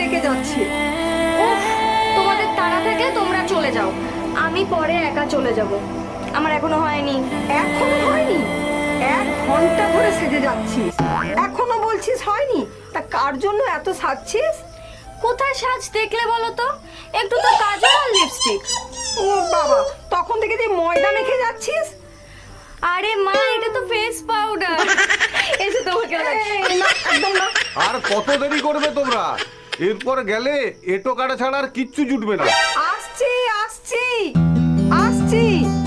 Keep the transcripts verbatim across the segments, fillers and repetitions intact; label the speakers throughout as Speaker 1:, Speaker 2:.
Speaker 1: রেখে যাচ্ছে।
Speaker 2: উফ, তোমাদের তাড়া থাকলে তোমরা চলে যাও, আমি পরে একা চলে যাব। আমার এখনো হয়নি।
Speaker 1: এখনো হয়নি? এক ঘন্টা ধরে সেজে যাচ্ছিস, এখনো বলছিস হয়নি? তা কার জন্য এত সাজছিস?
Speaker 2: কোথায় সাজ দেখলে বলো তো? একটু তো কাজল আর লিপস্টিক।
Speaker 1: ও বাবা, তখন থেকে যে ময়দা মেখে যাচ্ছিস।
Speaker 2: আরে মা, এটা তো ফেস পাউডার। এসে তোমাকে
Speaker 1: এই না, একদম না।
Speaker 3: আর কত দেরি করবে তোমরা? এরপর গেলে এটো কাটা ছাড়া আর কিচ্ছু জুটবে না।
Speaker 1: আসছি আসছি আসছি।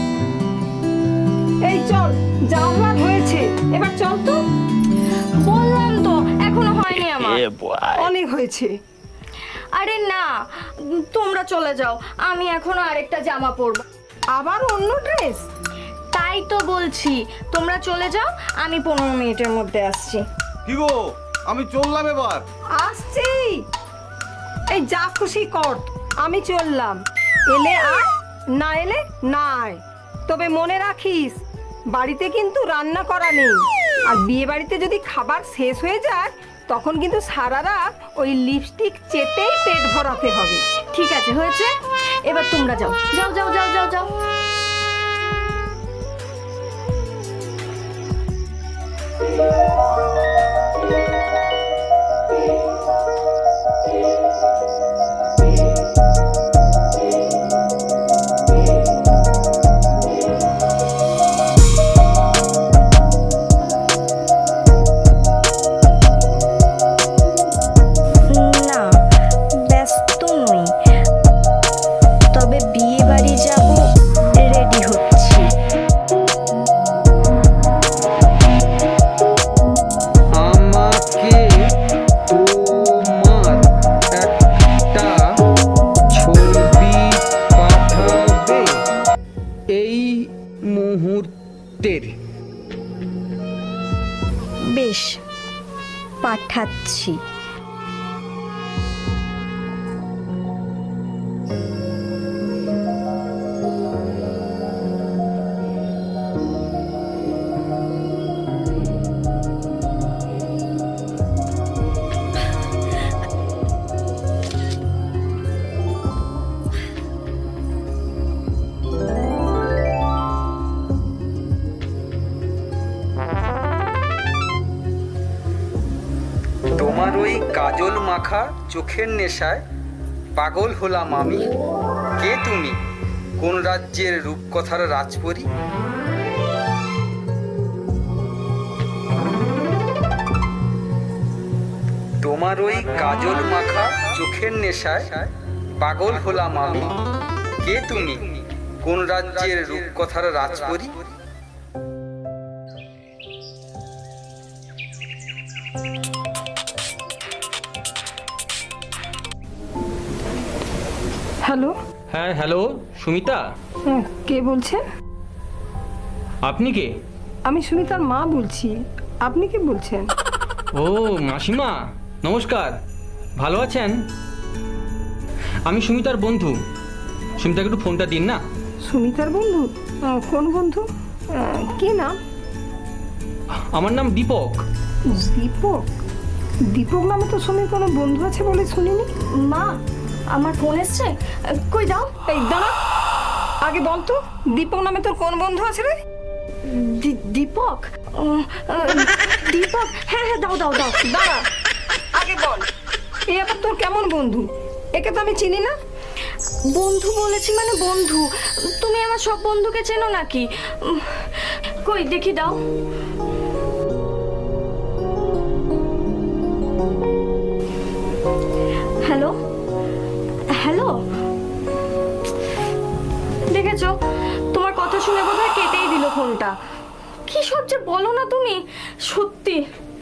Speaker 1: এই চল, যাওয়ার হয়েছে, এবার চল তো।
Speaker 2: বললাম তো এখনো হয়নি আমার।
Speaker 1: অনেক হয়েছে।
Speaker 2: আরে না, তোমরা চলে যাও, আমি এখনো আরেকটা জামা পরবো।
Speaker 1: আবার অন্য ড্রেস?
Speaker 2: তাই তো বলছি, তোমরা চলে যাও, আমি পনেরো মিনিটের মধ্যে আসছি।
Speaker 3: কি গো, আমি চললাম এবার।
Speaker 1: আসছি। এই যা খুশি কর, আমি চললাম। এলে আয়, না এলে না আয়। তবে মনে রাখিস, বাড়িতে কিন্তু রান্না করা নেই। আর বিয়ে বাড়িতে যদি খাবার শেষ হয়ে যায়, তখন কিন্তু সারা রাত ওই লিপস্টিক চেটেই পেট ভরাতে হবে।
Speaker 2: ঠিক আছে, হয়েছে, এবার তোমরা যাও যাও যাও যাও যাও যাও। না, ব্যস্ত নই, তবে বিয়ে বাড়ি যাব, রেডি হচ্ছি।
Speaker 4: আমাকে তোমার একটা ছবি পাঠাবে এই মুহূর্তের।
Speaker 2: বেশ, পাঠাচ্ছি।
Speaker 4: তোমার ওই কাজল মাখা চোখের নেশায় পাগল হলাম আমি। কে তুমি? কোন রাজ্যের রূপকথার রাজপরী? তোমার ওই কাজল মাখা চোখের নেশায় পাগল হলাম আমি। কে তুমি? কোন রাজ্যের রূপকথার রাজপরী?
Speaker 1: হ্যালো।
Speaker 5: হ্যাঁ হ্যালো, সুমিতা,
Speaker 1: হ্যাঁ, কে বলছেন?
Speaker 5: আপনি কে?
Speaker 1: আমি সুমিতার মা বলছি। আপনি কে বলছেন?
Speaker 5: ও মাসিমা, নমস্কার, ভালো আছেন? আমি সুমিতার বন্ধু। সুমিতাকে একটু ফোনটা দিন না।
Speaker 1: সুমিতার বন্ধু? আহ, কোন বন্ধু? আহ, কি নাম?
Speaker 5: আমার নাম দীপক।
Speaker 1: দীপক? দীপক নামে তো সুমির কোনো বন্ধু আছে বলে শুনিনি।
Speaker 2: মা, আমার ফোন এসছে, কই দাও।
Speaker 1: এই দাঁড়া, আগে বল তো, দীপক নামে তোর কোন বন্ধু আছে রে?
Speaker 2: দি- দীপক? উম, আহ, দীপক, হ্যাঁ হ্যাঁ, দাও দাও দাও।
Speaker 1: দাঁড়া, আগে বল, এই আবার তোর কেমন বন্ধু? একে তো আমি চিনি না।
Speaker 2: বন্ধু বলেছি মানে বন্ধু, তুমি আমার সব বন্ধুকে চেনো নাকি? উম, কই দেখি দাও। হ্যালো হ্যালো, দেখেছো, তোমার কথা শুনে বোধহয় কেটেই দিল ফোনটা। কি সব যে বলো না তুমি, সত্যি।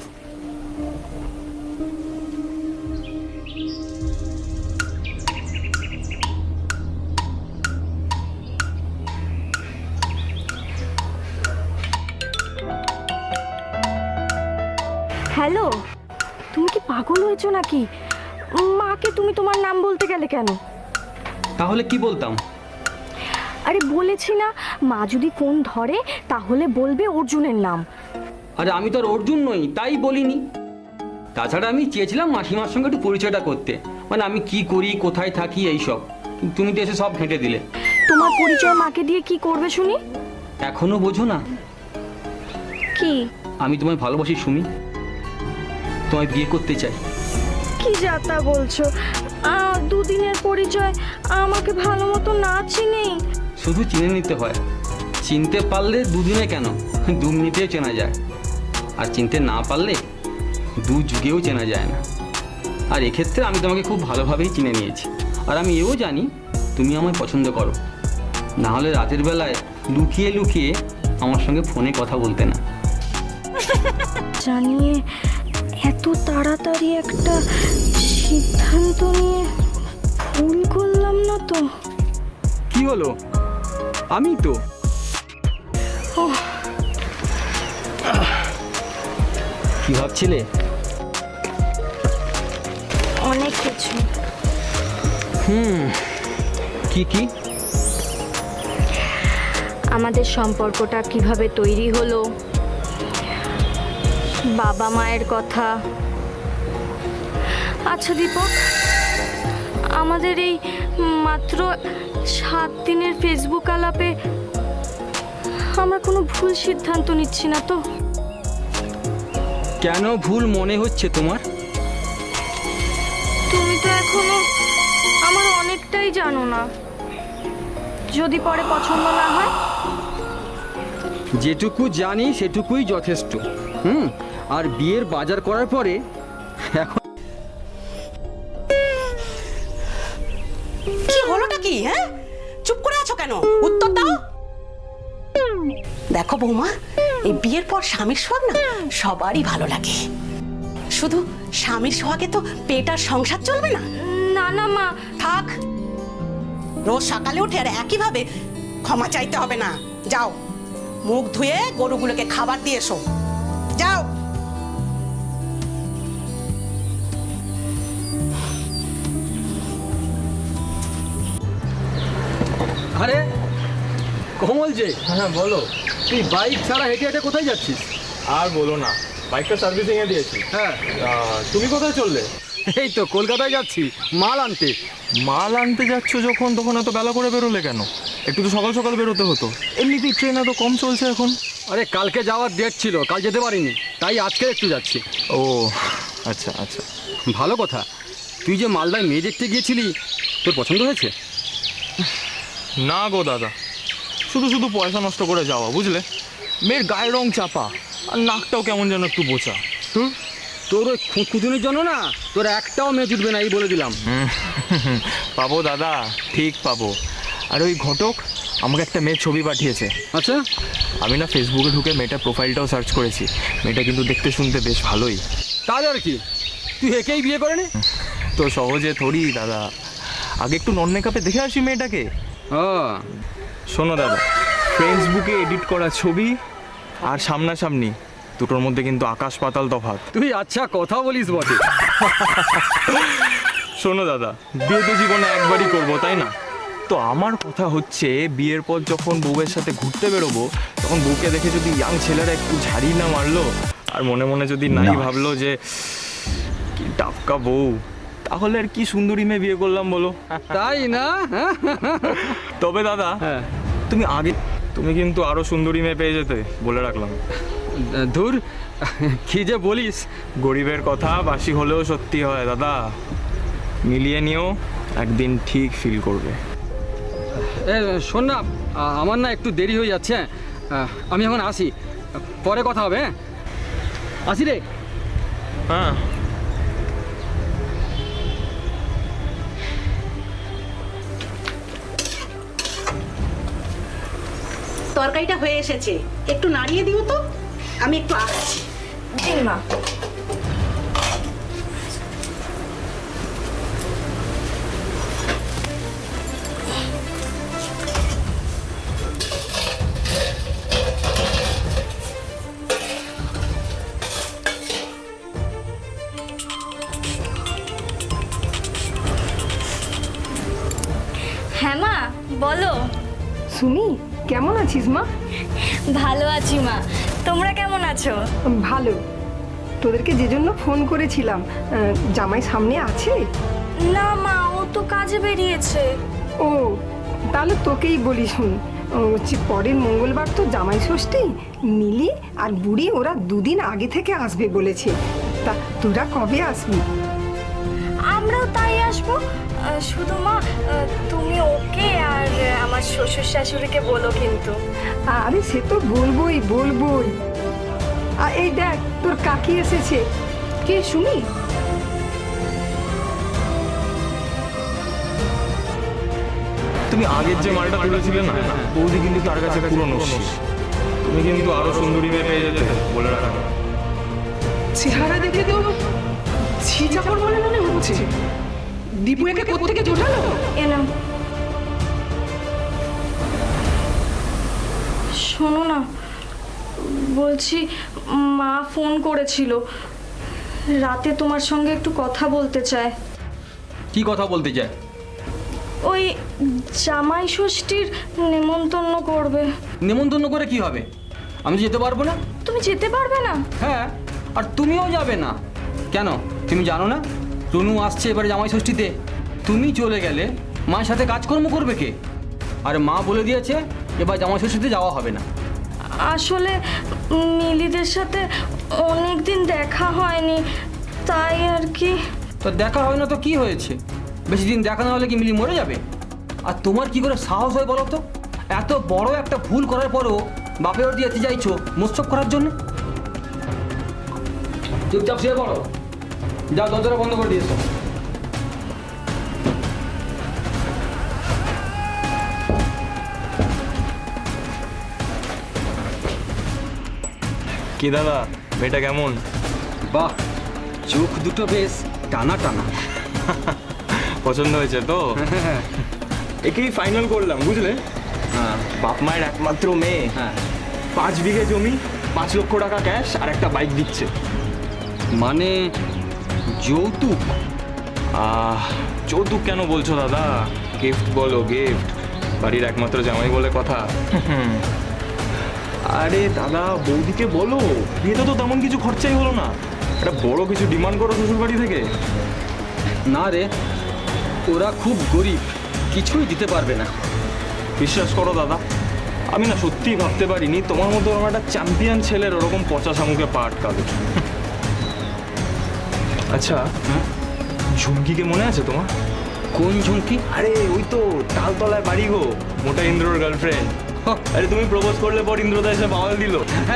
Speaker 2: হ্যালো, তুমি কি পাগল হয়েছো নাকি? মাকে তুমি তোমার নাম বলতে গেলে কেন?
Speaker 5: তাহলে কি বলতাম?
Speaker 2: আরে বলেছি না, মা যদি ফোন ধরে তাহলে বলবে অর্জুনের নাম।
Speaker 5: আরে আমি তো আর অর্জুন নই, তাই বলিনি। তাছাড়া আমি চেয়েছিলাম মাসিমার সঙ্গে একটু পরিচয়টা করতে, মানে আমি কি করি, কোথায় থাকি, এইসব। তুমি তো এসে সব ঘেঁটে দিলে।
Speaker 2: তোমার পরিচয় মাকে দিয়ে কি করবে শুনি?
Speaker 5: এখনো বোঝো না?
Speaker 2: কি?
Speaker 5: আমি তোমায় ভালোবাসি সুমি, তোমায় বিয়ে করতে চাই।
Speaker 2: কি যাতা বলছো? আহ, দুদিনের পরিচয়, আমাকে ভালো মতো না চিনেই।
Speaker 5: শুধু চিনে নিতে হয়, চিনতে পারলে দুদিনে কেন, দু মিনিটেও চেনা যায়। আর চিনতে না পারলে দু যুগেও চেনা যায় না। আর এক্ষেত্রে আমি তোমাকে খুব ভালোভাবেই চিনে নিয়েছি। আর আমি এও জানি তুমি আমায় পছন্দ করো, না হলে রাতের বেলায় লুকিয়ে লুকিয়ে আমার সঙ্গে ফোনে কথা বলতে না।
Speaker 2: জানিয়ে এত তাড়াতাড়ি একটা সিদ্ধান্ত নিয়ে ভুল করলাম না তো?
Speaker 5: কি হলো? আমি তো
Speaker 2: ওহ,
Speaker 5: কি ভাবছিলে?
Speaker 2: অনেক কিছু।
Speaker 5: হুম, কি কি?
Speaker 2: আমাদের সম্পর্কটা কিভাবে তৈরি হলো, বাবা মায়ের কথা। আচ্ছা দীপক, আমাদের এই মাত্র সাত দিনের ফেসবুক আলাপে আমরা কোনো ভুল সিদ্ধান্ত নিচ্ছি না তো?
Speaker 5: কেন ভুল মনে হচ্ছে তোমার?
Speaker 2: তুমি তো এখনো আমার অনেকটাই জানো না। যদি পরে পছন্দ না হয়?
Speaker 5: যেটুকু জানি সেটুকুই যথেষ্ট। হুম, আর বিয়ের বাজার করার পরে এখন
Speaker 6: কি হলোটা কি? হ্যাঁ, চুপ করে আছো কেন? উত্তর দাও। দেখো বৌমা, এই বিয়ের পর স্বামীর সোহাগ না সবারই ভালো লাগে। শুধু স্বামীর সোহাগে তো পেট আর সংসার চলবে না।
Speaker 2: না না মা।
Speaker 6: থাক, রোজ সকালে উঠে আর একইভাবে ক্ষমা চাইতে হবে না। যাও, মুখ ধুয়ে গরুগুলোকে খাবার দিয়ে এসো। যাও।
Speaker 5: আরে কমল যে, হ্যাঁ বলো, তুই বাইক ছাড়া হেঁটে হেঁটে কোথায় যাচ্ছিস?
Speaker 7: আর বলো না, বাইকটা সার্ভিসিং এ দিয়েছি।
Speaker 5: হ্যাঁ,
Speaker 7: আহ, তুমি কোথায় চললে?
Speaker 5: এই তো কলকাতায় যাচ্ছি মাল আনতে।
Speaker 7: মাল আনতে যাচ্ছ যখন, তখন এত বেলা করে বেরোলে কেন? একটু তো সকাল সকাল বেরোতে হতো। এমনিতেই ট্রেন এত কম চলছে এখন।
Speaker 5: আরে কালকে যাওয়ার ডেট ছিল, কাল যেতে পারিনি, তাই আজকে একটু যাচ্ছি।
Speaker 7: ও আচ্ছা আচ্ছা।
Speaker 5: ভালো কথা। তুই যে মালদায় মেয়ে দেখতে গিয়েছিলি, তোর পছন্দ হয়েছে?
Speaker 7: না গো দাদা, শুধু শুধু পয়সা নষ্ট করে যাওয়া, বুঝলে? মেয়ের গায়ের রং চাপা, আর নাকটাও কেমন যেন একটু বোচা।
Speaker 5: হুম, তোর ওই খুঁতুনির জন্য না তোর একটাও মেয়ে জুটবে না, এই বলে দিলাম।
Speaker 7: পাবো দাদা, ঠিক পাবো। আর ওই ঘটক আমাকে একটা মেয়ের ছবি পাঠিয়েছে।
Speaker 5: আচ্ছা,
Speaker 7: আমি না ফেসবুকে ঢুকে মেয়েটার প্রোফাইলটাও সার্চ করেছি। মেয়েটা কিন্তু দেখতে শুনতে বেশ ভালোই।
Speaker 5: তাহলে আর কি, তুই একেই বিয়ে করে নে।
Speaker 7: তো সহজে থরি দাদা, আগে একটু নন মেকআপে দেখে আসি মেয়েটাকে।
Speaker 5: ও
Speaker 7: শোনো দাদা, ফেসবুকে এডিট করা ছবি আর সামনাসামনি দুটোর মধ্যে কিন্তু আকাশ পাতাল তফাৎ।
Speaker 5: তুই আচ্ছা কথা বলিস বটে।
Speaker 7: শোনো দাদা, বিয়ে তো জীবনে একবারই করবো, তাই না? তো আমার কথা হচ্ছে, বিয়ের পর যখন বউয়ের সাথে ঘুরতে বেরোবো, তখন বউকে দেখে যদি ইয়াং ছেলেরা একটু ঝাড়ি না মারলো, আর মনে মনে যদি নাই ভাবলো যে কি টাপকা বউ, তাহলে আর কি সুন্দরী মেয়ে বিয়ে করলাম বলো?
Speaker 5: তাই না? হ্যাঁ,
Speaker 7: তবে দাদা,
Speaker 5: হ্যাঁ,
Speaker 7: তুমি আগে তুমি কিন্তু আরো সুন্দরী মেয়ে পেয়ে যেতে, বলে রাখলাম।
Speaker 5: ধুর, কি যে বলিস।
Speaker 7: গরিবের কথা বাসি হলেও সত্যি হয় দাদা, মিলিয়ে নিও, একদিন ঠিক ফিল করবে।
Speaker 5: এ শোন না, আ- আমার না একটু দেরি হয়ে যাচ্ছে। আহ, আমি এখন আসি, পরে কথা হবে। হ্যাঁ, আসি রে।
Speaker 7: হ্যাঁ,
Speaker 6: তরকারিটা হয়ে এসেছে, একটু নাড়িয়ে দিও তো, আমি একটু আসছি।
Speaker 2: দিন মা। হ্যাঁ মা, বলো।
Speaker 1: সুমি, কেমন আছিস মা?
Speaker 2: ভালো আছি মা, তোমরা কেমন আছো?
Speaker 1: ভালো। তোদেরকে যে জন্য ফোন করেছিলাম, আহ, জামাই সামনে আছে?
Speaker 2: না মা, ও তো কাজে বেরিয়েছে।
Speaker 1: ও, তাহলে তোকেই বলি শুন, ও হচ্ছে পরের মঙ্গলবার তো জামাই ষষ্ঠী। মিলি আর বুড়ি ওরা দুদিন আগে থেকে আসবে বলেছে। তা তোরা কবে আসবি?
Speaker 2: আমরাও তাই আসবো। আহ, শুধু মা, আহ, তুমি ওকে আর আমার শ্বশুর শাশুড়িকে বলো কিন্তু।
Speaker 1: আরে সে তো বলবোই বলবোই। আর এই দেখ, তোর কাকি এসেছে।
Speaker 6: কে সুমি?
Speaker 7: তুমি আগের যে মালটা তুলেছিলে না, বৌদি কিন্তু তার কাছে পুরো নস্যি। তুমি কিন্তু আরো সুন্দরী মেয়ে পেয়ে যেতে, বলে রাখো।
Speaker 6: চেহারা দেখে তো ছি চাপড় বলে মনে হচ্ছে। দীপু একে কোত্থেকে জোটালো?
Speaker 2: এ নাও। শোনো না, বলছি মা ফোন করেছিল, রাতে তোমার সঙ্গে একটু কথা বলতে চায়।
Speaker 5: কি কথা বলতে চায়?
Speaker 2: ওই জামাই ষষ্ঠীর নেমন্তন্ন করবে।
Speaker 5: নেমন্তন্ন করে কি হবে? আমি তো যেতে পারবো না।
Speaker 2: তুমি যেতে পারবে না?
Speaker 5: হ্যাঁ, আর তুমিও যাবে না কেন? তুমি জানো না টুনু আসছে এবারে জামাই ষষ্ঠীতে? তুমি চলে গেলে মায়ের সাথে কাজকর্ম করবে কে? আর মা বলে দিয়েছে এবার জামাই ষষ্ঠীতে যাওয়া হবে না।
Speaker 2: আসলে মিলিদের সাথে অনেক দিন দেখা হয়নি, তাই আর কি।
Speaker 5: তো দেখা হয় না তো কি হয়েছে? বেশি দিন দেখা না হলে কি মিলি মরে যাবে? আর তোমার কি করে সাহস হয় বলো তো? এত বড় একটা ভুল করার পরও বাপে ওর দিয়ে যেতে চাইছো মোৎসব করার জন্য? চুপচাপ শুয়ে পড়ো, যাও দরজাটা বন্ধ করে দিয়েছো।
Speaker 7: কি দাদা, মেয়েটা কেমন?
Speaker 5: বাহ, চোখ দুটো বেশ টানা টানা।
Speaker 7: পছন্দ হয়েছে তো? একেই ফাইনাল করলাম, বুঝলে?
Speaker 5: হ্যাঁ
Speaker 7: বাপ মায়ের একমাত্র মেয়ে,
Speaker 5: হ্যাঁ।
Speaker 7: পাঁচ বিঘে জমি, পাঁচ লক্ষ টাকা ক্যাশ আর একটা বাইক দিচ্ছে।
Speaker 5: মানে যৌতুক?
Speaker 7: আহ যৌতুক কেন বলছো দাদা? গিফট বলো, গিফট। বাড়ির একমাত্র জামাই বলে কথা। আরে দাদা, বৌদিকে বলো বিয়েতে তো তেমন কিছু খরচাই হলো না, একটা বড় কিছু ডিমান্ড করো শ্বশুর বাড়ি থেকে।
Speaker 5: না রে, ওরা খুব গরিব, কিছুই দিতে পারবে না।
Speaker 7: বিশ্বাস করো দাদা, আমি না সত্যিই ভাবতে পারিনি তোমার মতো ওরকম একটা চ্যাম্পিয়ন ছেলের ওরকম পচা শামুকে পা আটকাবে। আচ্ছা,
Speaker 5: হ্যাঁ?
Speaker 7: ঝুমকিকে মনে আছে তোমার?
Speaker 5: কোন ঝুমকি?
Speaker 7: আরে ওই তো তালতলায় বাড়ি গো, মোটা ইন্দ্রর গার্লফ্রেন্ড। আরে তুমি প্রপোজ করলে পর ইন্দ্রদা এসে বাওয়াল দিল।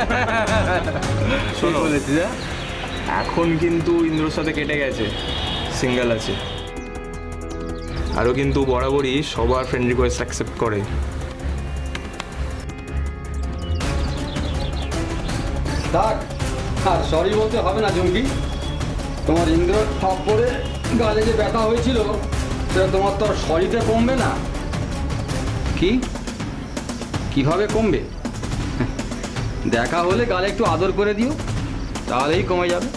Speaker 7: শোনো, এখন কিন্তু ইন্দ্রর সাথে কেটে গেছে, সিঙ্গেল আছে। আরও কিন্তু বরাবরই সবার ফ্রেন্ড রিকোয়েস্ট অ্যাকসেপ্ট করে।
Speaker 5: থাক, আর সরি বলতে হবে না ঝুমকি। তোমার ইন্দ্র ঠপ করে গালে যে ব্যথা হয়েছিল সেটা তোমার তো আর সরিতে কমবে না। কি কিভাবে কমবে? দেখা হলে গালে একটু আদর করে দিও, তাহলেই কমে যাবে।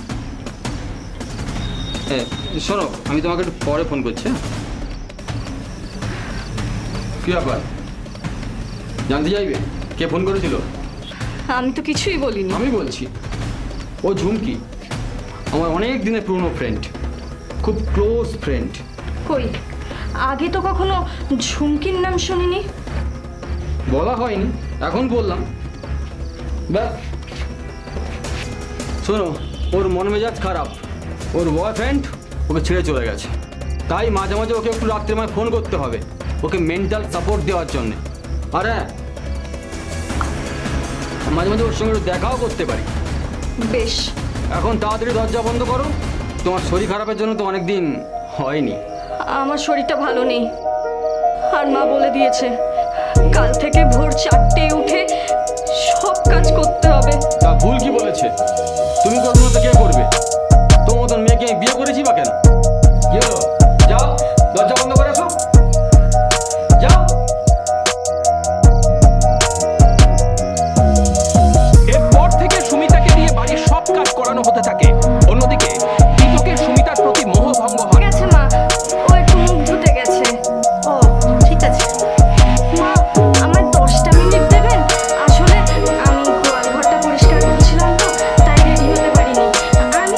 Speaker 5: হ্যাঁ শোনো, আমি তোমাকে একটু পরে ফোন করছি। হ্যাঁ, কি ব্যাপার, জানতে চাইবে কে ফোন করেছিল?
Speaker 2: আমি তো কিছুই বলিনি।
Speaker 5: আমি বলছি, ও ঝুমকি আমার অনেক দিনের পুরনো ফ্রেন্ড, খুব ক্লোজ ফ্রেন্ড।
Speaker 2: কই, আগে তো কখনো ঝুমকির নাম শুনিনি।
Speaker 5: বলা হয়নি, এখন বললাম। ব্যাস, শোনো, ওর মন মেজাজ খারাপ, ওর বয়ফ্রেন্ড ওকে ছেড়ে চলে গেছে, তাই মাঝে মাঝে ওকে একটু রাত্রে মাঝে ফোন করতে হবে ওকে মেন্টাল সাপোর্ট দেওয়ার জন্যে। আর হ্যাঁ, মাঝে মাঝে ওর সঙ্গে একটু দেখাও করতে পারি।
Speaker 2: বেশ,
Speaker 5: এখন তাড়াতাড়ি দরজা বন্ধ করো, তোমার শরীর খারাপের জন্য তো অনেক দিন হয়নি।
Speaker 2: আমার শরীরটা ভালো নেই, আর মা বলে দিয়েছে কাল থেকে ভোর চারটে উঠে সব কাজ করতে হবে।
Speaker 5: তা ভুল কি বলেছে? তুমি করবো না তো কে করবে? তোমার মতন মেয়েকে আমি বিয়ে করেছি বা কেন? কি হলো? যাও, দরজা বন্ধ করে আসো, যাও।
Speaker 8: এরপর থেকে সুমিতাকে দিয়ে বাড়ির সব কাজ করানো হতে থাকে। অন্যদিকে দীপকের সুমিতার প্রতি মোহভঙ্গ হয়।
Speaker 2: গেছে মা, ও একটু মুখ ধুতে গেছে।
Speaker 6: ও ঠিক আছে।
Speaker 2: মা, আমার দশটা মিনিট দেবেন? আসলে আমি গোয়াল ঘরটা পরিষ্কার করছিলাম তো, তাই রেডি হতে পারিনি। আর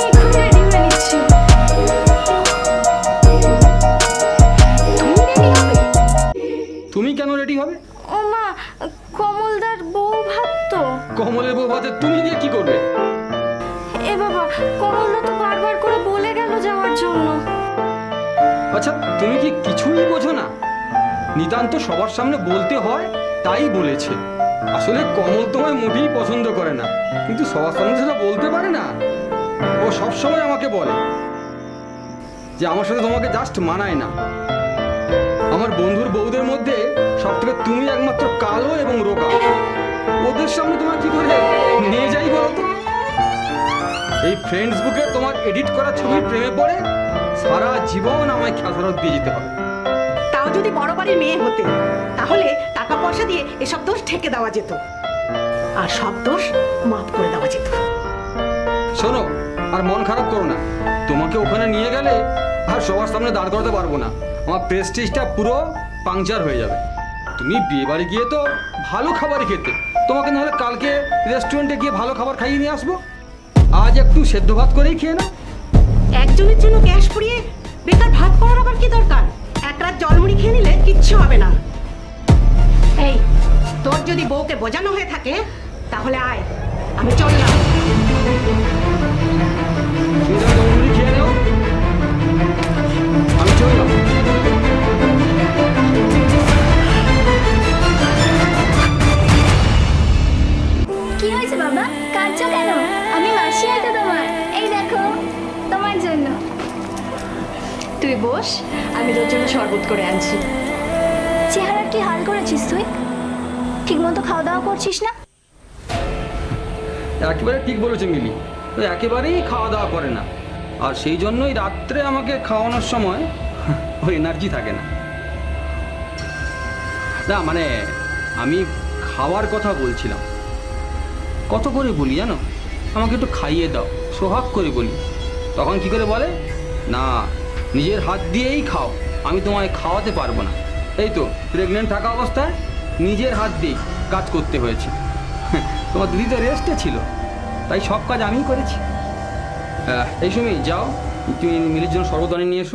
Speaker 5: আচ্ছা তুমি কি কিছুই বোঝো না? নিতান্ত সবার সামনে বলতে হয় তাই বলেছে। আসলে কমল তোমায় মোটেই পছন্দ করে না, কিন্তু সবার সামনে সেটা বলতে পারে না। ও সবসময় আমাকে বলে যে আমার সাথে তোমাকে জাস্ট মানায় না। আমার বন্ধুর বউদের মধ্যে সব থেকে তুমি একমাত্র কালো এবং রোগা। ওদের সামনে তোমার কি করে নিয়ে যাই বলো তো? এই ফ্রেন্ডস বুকে তোমার এডিট করা ছবির প্রেমে পড়ে সারা জীবন আমায় খেসারত দিয়ে যেতে হবে।
Speaker 6: তাও যদি বড় বাড়ির মেয়ে হতে, তাহলে টাকা পয়সা দিয়ে এসব দোষ ঠেকে দেওয়া যেত, আর সব দোষ মাফ করে দেওয়া যেত।
Speaker 5: শোনো, আর মন খারাপ করো না। তোমাকে ওখানে নিয়ে গেলে আর সবার সামনে দাঁড় করাতে পারবো না। আমার প্রেস্টিজটা পুরো পাংচার হয়ে যাবে। তুমি বিয়ে বাড়ি গিয়ে তো ভালো খাবারই খেতে, তোমাকে নাহলে কালকে রেস্টুরেন্টে গিয়ে ভালো খাবার খাইয়ে নিয়ে আসবো। আজ একটু সেদ্ধ ভাত করেই খেয়ে নাও।
Speaker 6: একজনের জন্য গ্যাস পুড়িয়ে বেকার ভাত করার আবার কি দরকার? এক রাত জলমুড়ি খেয়ে নিলে কিচ্ছু হবে না। এই, তোর যদি বউকে বোঝানো হয়ে থাকে তাহলে আয়, আমি চললাম।
Speaker 5: তুমি যখন জলমুড়ি খেয়ে নাও, আমি চললাম।
Speaker 9: কি হয়েছে বাবা, কাঁদছো কেন? আমি মাসি হয়তো তোমার, এই দেখো তোমার জন্য।
Speaker 2: তুই বস, আমি তোর জন্য শরবত করে আনছি।
Speaker 9: চেহারা কি হাল করেছিস তুই? ঠিকমতো খাওয়া দাওয়া করছিস না?
Speaker 5: একেবারে ঠিক বলেছে মিলি, ও একেবারেই খাওয়া দাওয়া করে না, আর সেই জন্যই রাত্রে আমাকে খাওয়ানোর সময় ওর এনার্জি থাকে না। না মানে আমি খাওয়ার কথা বলছিলাম। কত করে বলি জানো, আমাকে একটু খাইয়ে দাও, সোহাগ করে বলি। তখন কি করে বলে, না নিজের হাত দিয়েই খাও, আমি তোমায় খাওয়াতে পারবো না। এই তো প্রেগনেন্ট থাকা অবস্থায় নিজের হাত দিয়েই কাজ করতে হয়েছে। তোমার দিদি তো রেস্টে ছিল, তাই সব কাজ আমিই করেছি। আহ, এই সময় যাও, তুমি মিলির জন্য শরবত আনিয়ে নিয়ে এসো।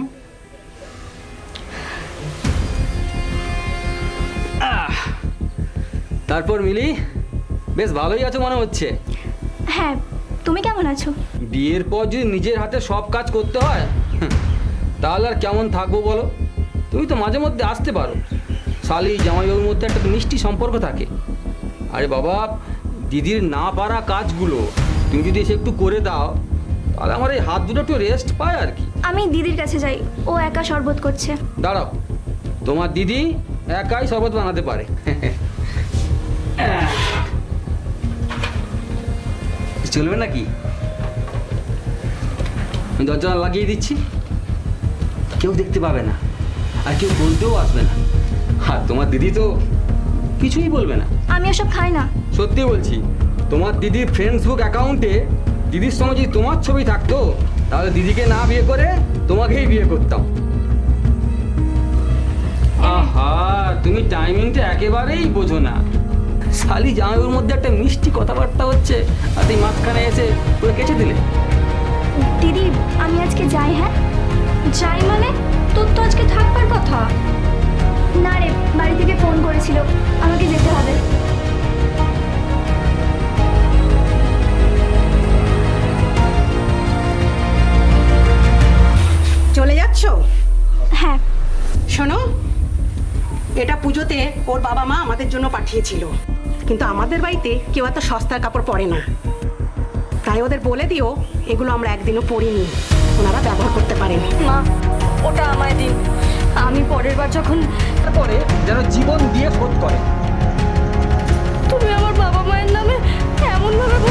Speaker 5: আহ, তারপর মিলি, বেশ ভালোই আছো মনে হচ্ছে।
Speaker 9: হ্যাঁ, তুমি কেমন আছো?
Speaker 5: বিয়ের পর যদি নিজের হাতে সব কাজ করতে হয়, তাহলে আর কেমন থাকবো বলো? তুমি তো মাঝে মধ্যে আসতে পারো, শালি জামাইবাবুর মধ্যে একটা মিষ্টি সম্পর্ক থাকে। আরে বাবা, দিদির না পারা কাজগুলো তুমি যদি এসে একটু করে দাও, তাহলে আমার এই হাত দুটো একটু রেস্ট পায় আর কি।
Speaker 9: আমি দিদির কাছে যাই, ও একা শরবত করছে।
Speaker 5: দাঁড়াও, তোমার দিদি একাই শরবত বানাতে পারে। চলবে নাকি? আমি দরজা লাগিয়ে দিচ্ছি, কেউ দেখতে পাবে না, আর কেউ বলতেও আসবে না। আর তোমার দিদি তো কিছুই বলবে না।
Speaker 9: আমি ওসব খাই না।
Speaker 5: সত্যি বলছি, তোমার দিদির ফেসবুক অ্যাকাউন্টে দিদির সঙ্গে যদি তোমার ছবি থাকতো, তাহলে দিদিকে না বিয়ে করে তোমাকেই বিয়ে করতাম। আহা, তুমি টাইমিংটা একেবারেই বোঝো না। শালি জামাইবাবুর মধ্যে একটা মিষ্টি কথাবার্তা হচ্ছে, আর তুই মাঝখানে এসে পুরো কেচে দিলে।
Speaker 9: দিদি, আমি আজকে যাই। হ্যাঁ
Speaker 2: যাই মানে? তোর তো আজকে থাকবার কথা।
Speaker 9: না রে, বাড়ি থেকে ফোন করেছিল, আমাকে যেতে হবে।
Speaker 6: চলে যাচ্ছ?
Speaker 9: হ্যাঁ।
Speaker 6: শোনো, এটা পুজোতে ওর বাবা মা আমাদের জন্য পাঠিয়েছিল, কিন্তু আমাদের বাড়িতে কেউ এত সস্তার কাপড় পরে না, তাই ওদের বলে দিও এগুলো আমরা একদিনও পরিনি, ওনারা ব্যবহার করতে পারেন।
Speaker 2: মা, ওটা আমায় দিন, আমি পরের বার যখন
Speaker 5: পরে যেন জীবন দিয়ে শোধ করে।
Speaker 2: তুমি আমার বাবা মায়ের নামে এমন ভাবে